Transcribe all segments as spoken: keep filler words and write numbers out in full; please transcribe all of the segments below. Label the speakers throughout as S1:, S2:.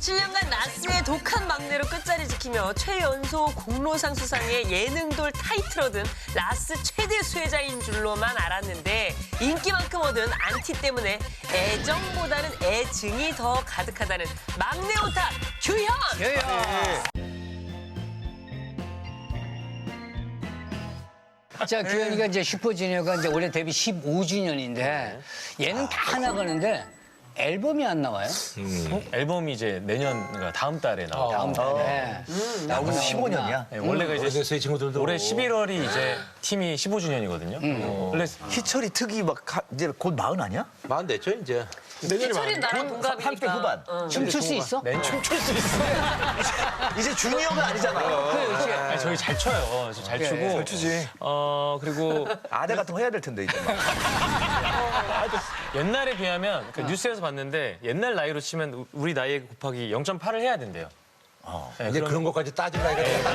S1: 칠 년간 라스의 독한 막내로 끝자리 지키며 최연소 공로상 수상의 예능돌 타이틀 얻은 라스 최대 수혜자인 줄로만 알았는데 인기만큼 얻은 안티 때문에 애정보다는 애증이 더 가득하다는 막내 오타 규현!
S2: 자, 규현이가 이제 슈퍼주니어가 이제 올해 데뷔 십오 주년인데 얘는 다 나가는데 앨범이 안 나와요?
S3: 음. 앨범이 이제 내년, 그러니까 다음 달에 나와요.
S2: 다음 달에.
S4: 나오고 십오 년이야.
S3: 네, 원래가 이제
S4: 제 친구들도
S3: 올해 십일월이 이제 팀이 십오 주년이거든요. 어, 원래
S4: 희철이 특이 막 가- 이제 곧 마흔 아니야?
S5: 마흔 됐죠 이제.
S1: 희철이 나랑 동갑이니까.
S4: 삼십 대 후반.
S1: 어.
S2: 춤출 수 있어?
S3: 맨 춤출 수 있어요.
S4: 이제 주니어가 아니잖아.
S3: 아니, 저희 잘 춰요. 저잘 추고. 잘 추지. 어, 그리고
S4: 아대 같은 거 해야 될 텐데 이제 막.
S3: 옛날에 비하면 그 뉴스에서 봤는데 옛날 나이로 치면 우리 나이 곱하기 영 점 팔을 해야 된대요. 네,
S5: 이제
S3: 그럼-
S5: 그런 것까지 따질 나이가 됐다.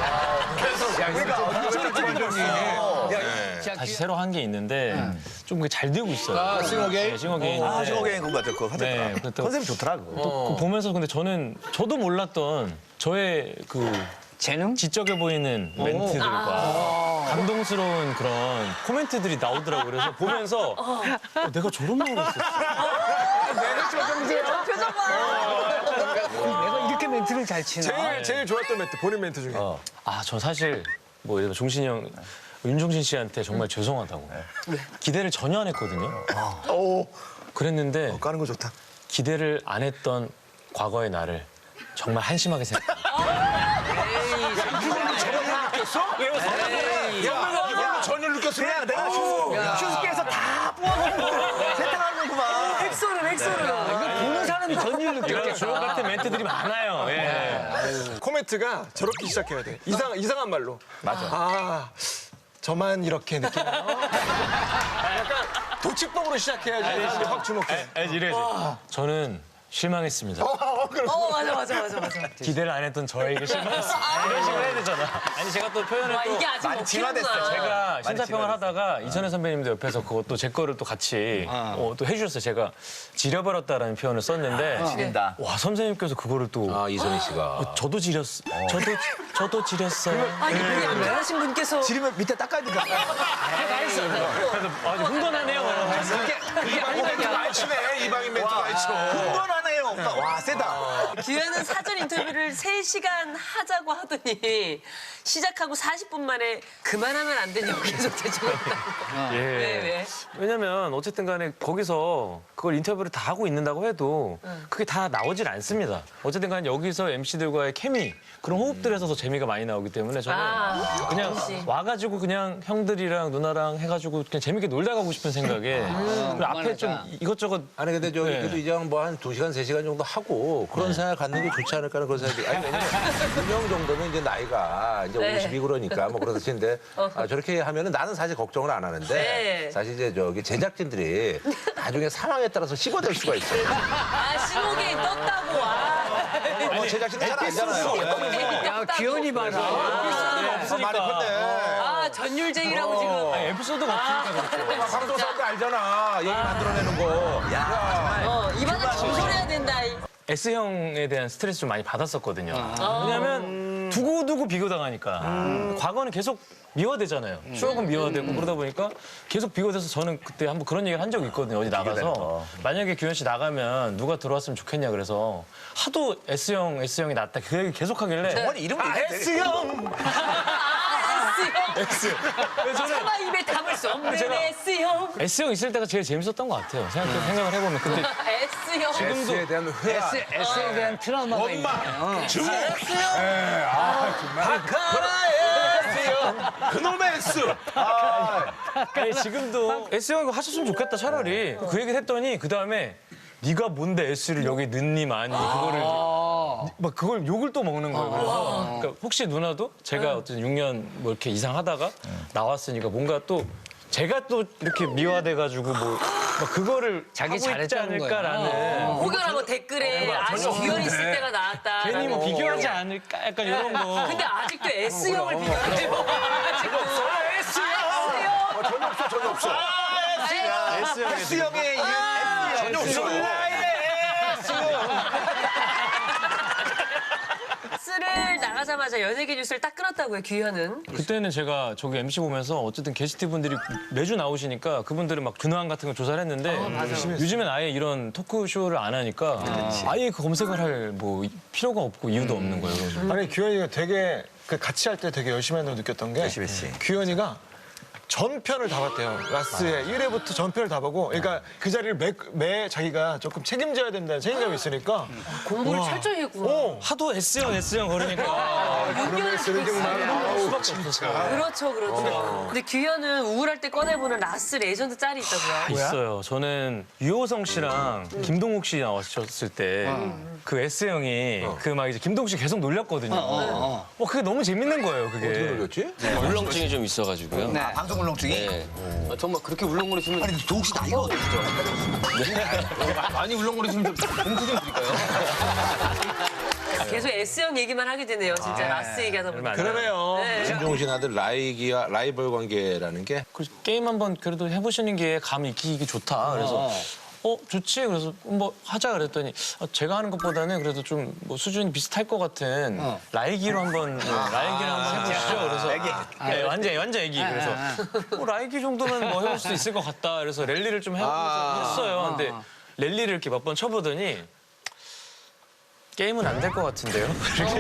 S2: 자,
S3: 다시 새로 한 게 있는데 좀 잘 되고 있어요.
S5: 아, 싱어게인?
S3: 네, 싱어게인.
S4: 아, 저게 그거 맞아. 그거
S3: 네,
S4: 하더라.
S3: 그것도-
S4: 컨셉이 좋더라. 그거.
S3: 또 그거 보면서 근데 저는 저도 몰랐던 저의 그
S2: 재능?
S3: 지적해 보이는 멘트들과 감동스러운 그런 코멘트들이 나오더라고요. 그래서 보면서 어, 내가 저런 말을 했었어.
S1: 표정 봐!
S2: 내가 이렇게 멘트를 잘 치나?
S6: 제일 제일 좋았던 멘트 본인 멘트 중에
S3: 아, 저 사실 뭐 예를 들어 종신이 형, 윤종신 씨한테 정말 죄송하다고. 기대를 전혀 안 했거든요.
S4: 오,
S3: 그랬는데
S4: 까는 거 좋다.
S3: 기대를 안 했던 과거의 나를 정말 한심하게 생각합니다.
S4: 전혀 느꼈어. 그냥 내가 슈- 슈스케에서 다 뽑아놓고 세탁하는구만.
S1: 엑소는 엑소는.
S2: 보는 사람이 전율
S3: 이런
S2: 느꼈겠다.
S3: 주옥 같은 멘트들이 많아요. 예.
S6: 코멘트가 저렇게 시작해야 돼 이상 이상한 말로 맞아 아 저만 이렇게 느끼나요? 약간 도치법으로 시작해야지 확 주목해.
S3: 알지, 이래야지. 저는 실망했습니다.
S1: 어, 맞아, 맞아, 맞아, 맞아.
S3: 기대를 안 했던 저에게 실망했습니다. 이런 식으로 해야 되잖아. 아니, 제가 또 표현을
S1: 와,
S3: 또
S1: 이게 아직
S4: 많이 진화됐어.
S1: 먹히는구나.
S3: 제가
S4: 많이
S3: 심사평을
S4: 진화됐어.
S3: 하다가 이천혜 선배님도 옆에서 그것도 제 거를 또 같이 어, 또 해주셨어요. 제가 지려버렸다라는 표현을 썼는데
S4: 지린다.
S3: 와, 선생님께서 그거를 또
S5: 아 이선희 씨가.
S3: 저도 지렸, 저도 저도 지렸어요.
S1: 아, 이게 우리 양변하신 분께서.
S4: 지리면 밑에 닦아야 되니까.
S3: 그래서 아주 흥건하네요.
S5: 이방인 멘트 많이 치네. 이방인 멘트 많이 쳐.
S4: 흥건하네요. 오빠. 와, 세다.
S1: 규현은 사전 인터뷰를 세 시간 하자고 하더니 시작하고 사십 분 만에 그만하면 안 되냐고 계속 대처했다고.
S3: 예.
S1: 왜, 왜?
S3: 왜냐면 어쨌든 간에 거기서 그걸 인터뷰를 다 하고 있는다고 해도 그게 다 나오질 않습니다. 어쨌든 간에 여기서 엠씨들과의 케미, 그런 호흡들에서 더 재미가 많이 나오기 때문에 저는
S1: 아,
S3: 그냥
S1: 역시.
S3: 와가지고 그냥 형들이랑 누나랑 해가지고 그냥 재밌게 놀다 가고 싶은 생각에 그리고 앞에 좀 이것저것
S5: 아니 근데 저기
S3: 네.
S5: 그래도 이제 뭐 한 두 시간 세 시간 정도 하고 그런 생각 갖는 게 좋지 않을까 하는 그런 생각이. 아니 왜냐면 윤영 정도면 이제 나이가 이제
S1: 네.
S5: 오십이 그러니까 뭐 그렇듯인데 아, 저렇게 하면은 나는 사실 걱정을 안 하는데
S1: 네.
S5: 사실 이제 저기 제작진들이 나중에 상황에 따라서 씹어댈 수가 있어.
S1: 아, 신호기 떴다고. 아.
S5: 뭐 제작진들 잘 알잖아요.
S2: 야, 규현이 봐라.
S3: 없으니까.
S5: 많이 컸네.
S1: 아, 전율쟁이라고 지금.
S3: 아니, 에피소드가 없으니까 그렇죠.
S5: 방송 사람들 알잖아. 얘기 만들어내는 거.
S1: 어, 입안에 진솔해야 된다. 이.
S3: S형에 대한 스트레스 좀 많이 받았었거든요. 왜냐하면 두고두고 비교당하니까. 과거는 계속 미화되잖아요. 추억은 미화되고 그러다 보니까 계속 비교돼서 저는 그때 한번 그런 얘기를 한 적이 있거든요. 어디 나가서. 만약에 규현 씨 나가면 누가 들어왔으면 좋겠냐 그래서 하도 S형, S형이 낫다 그 얘기 계속 하길래
S4: 어머니 이름 얘기해.
S3: S형!
S1: 아, S형.
S3: S. 그래서 저는
S1: 차마 입에 담을 수 없는
S3: 제가-
S1: S형.
S3: S형 있을 때가 제일 재밌었던 것 같아요. 생각, 생각을 해보면. 근데
S1: S형.
S5: S에 대한 회화.
S2: S, S에 대한 트라우마가 있네. 어.
S5: 그놈의 S.
S3: 아니, 지금도 S형 하셨으면 좋겠다 차라리. 그 얘기를 했더니 그 다음에 네가 뭔데 S를 여기 넣니 많이 그거를 막 그걸 욕을 또 먹는 거예요. 그래서 그러니까 혹시 누나도 제가 어쨌든 육 년 뭐 이렇게 이상 하다가 나왔으니까 뭔가 또 제가 또 이렇게 미화돼가지고 뭐 막 그거를
S2: 자기
S3: 하고 있지
S2: 잘했다는 거야.
S3: 않을까라는
S1: 혹여나 댓글에 아직 규현 있을 때가 나왔다.
S3: 괜히 뭐 비교하지 않을까 약간 이런 거.
S1: 근데 아직도 S형을 비교하지 뭐. 아직도. S형.
S5: 전혀 없어, 전혀 없어.
S4: S형의 이름 S. 전혀 없어.
S1: 나가자마자 연예계 뉴스를 딱 끊었다고요, 규현은.
S3: 그때는 제가 저기 엠씨 보면서 어쨌든 게스트 분들이 매주 나오시니까 그분들은 막 근황 같은 거 조사를 했는데 요즘엔 아예 이런 토크쇼를 안 하니까 아예 그 검색을 할 뭐 필요가 없고 이유도 없는 거예요. 그래서.
S6: 아니 규현이가 되게 그 같이 할 때 되게 열심히 한다고 느꼈던 게
S4: 열심히 했지.
S6: 규현이가 전편을 다 봤대요. 라스의 일 회부터 전편을 다 보고 그러니까 그 자리를 매, 매 자기가 조금 책임져야 된다는 책임감이 있으니까
S1: 공부를 철저히 했구나.
S6: 어.
S3: 하도 S형, S형 거리니까
S6: 그러면 쓰는 게 많아.
S3: 수밖에 없었어요.
S1: 그렇죠, 그렇죠. 근데 규현은 우울할 때 꺼내보는 라스 레전드 짤이 있다고요.
S3: 있어요. 저는 유호성 씨랑 김동욱 씨 나오셨을 때 그 S형이 그 막 이제 김동욱 씨 계속 놀렸거든요. 어, 그게 너무 재밌는 거예요, 그게.
S5: 어떻게 놀렸지?
S7: 울렁증이 좀 있어가지고요.
S2: 네.
S4: 아, 방송 울렁증이?
S7: 네. 아, 정말 그렇게 울렁거리시면
S4: 아니, 도욱 씨 나이가 어떻죠?
S7: 많이 울렁거리시면 좀 봉투 좀 드릴까요?
S1: 계속 S형 얘기만 하게 되네요, 진짜 라스 얘기하다 보니까.
S6: 그러네요.
S1: 네.
S5: 김종신 아들 라이기와 라이벌 관계라는 게
S3: 그 게임 한번 그래도 해보시는 게 감이 익히기 좋다. 그래서 어 좋지. 그래서 뭐 하자 그랬더니 어, 제가 하는 것보다는 그래도 좀 뭐 수준이 비슷할 것 같은 라이기로 한번 네, 라이기를 한번 해보시죠. 그래서 네, 완전 완전 애기. 그래서 뭐 라이기 정도면 뭐 해볼 수 있을 것 같다. 그래서 랠리를 좀 해보면서 했어요. 근데 랠리를 이렇게 몇 번 쳐보더니 게임은 안 될 것 같은데요.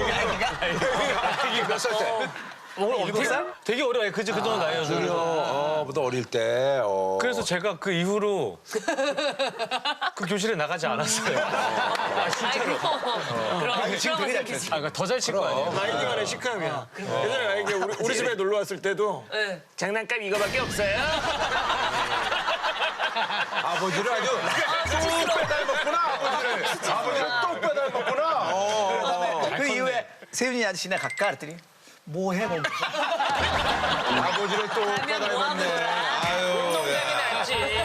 S5: 몇 살 때?
S3: 일곱 살? 되게 어려워요. 그저 그 정도 나이여서.
S5: 그래요. 어, 보다 어릴 때. 어.
S3: 그래서 제가 그 이후로 그 교실에 나가지 않았어요. 아, 진짜로.
S1: 아이고, 그럼
S4: 지금 되게 잘
S1: 생기지.
S3: 아, 그러니까 더 잘 칠 거 아니에요.
S6: 라이기 간의 시크함이야. 예전에 라이기 우리, 우리 집에 놀러 왔을 때도
S1: 네.
S6: 장난감 이거밖에 없어요.
S5: 아버지를 아주 뚝 빼닮았구나, 아버지를. 아버지를 뚝 빼닮았구나. 어.
S4: 그 이후에 세윤이 아저씨네 갈까? 그랬더니 뭐 해? 뭐.
S5: 아버지를 뚝
S1: 하면 뭐 하는 거야?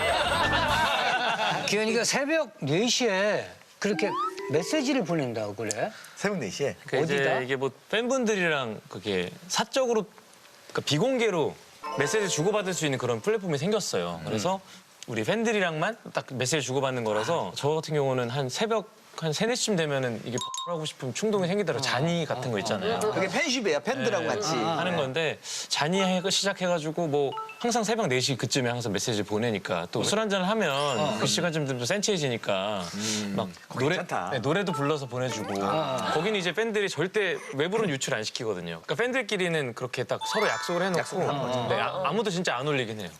S2: 규현이가 새벽 네 시에 그렇게 메시지를 보낸다고 그래?
S4: 새벽 네 시에.
S3: 그러니까
S2: 어디다?
S3: 이제 이게 뭐 팬분들이랑 그게 사적으로 그러니까 비공개로 메시지 주고받을 수 있는 그런 플랫폼이 생겼어요. 그래서 우리 팬들이랑만 딱 메시지 주고받는 거라서 저 같은 경우는 한 새벽 한 세네 시쯤 되면은 이게 하고 싶은 충동이 생기더라고요. 잔이 같은 거 있잖아요.
S4: 그게 팬쉽이에요. 팬들하고 같이.
S3: 하는 건데 잔이 해- 시작해가지고 뭐 항상 새벽 네 시 그쯤에 항상 메시지 보내니까 또 술 한잔을 하면 그 시간쯤 되면 또 센치해지니까 막 노래
S4: 괜찮다.
S3: 네, 노래도 불러서 보내주고 거기는 이제 팬들이 절대 외부로는 유출 안 시키거든요. 그러니까 팬들끼리는 그렇게 딱 서로 약속을 해놓고 네, 아, 아무도 진짜 안 올리긴 해요.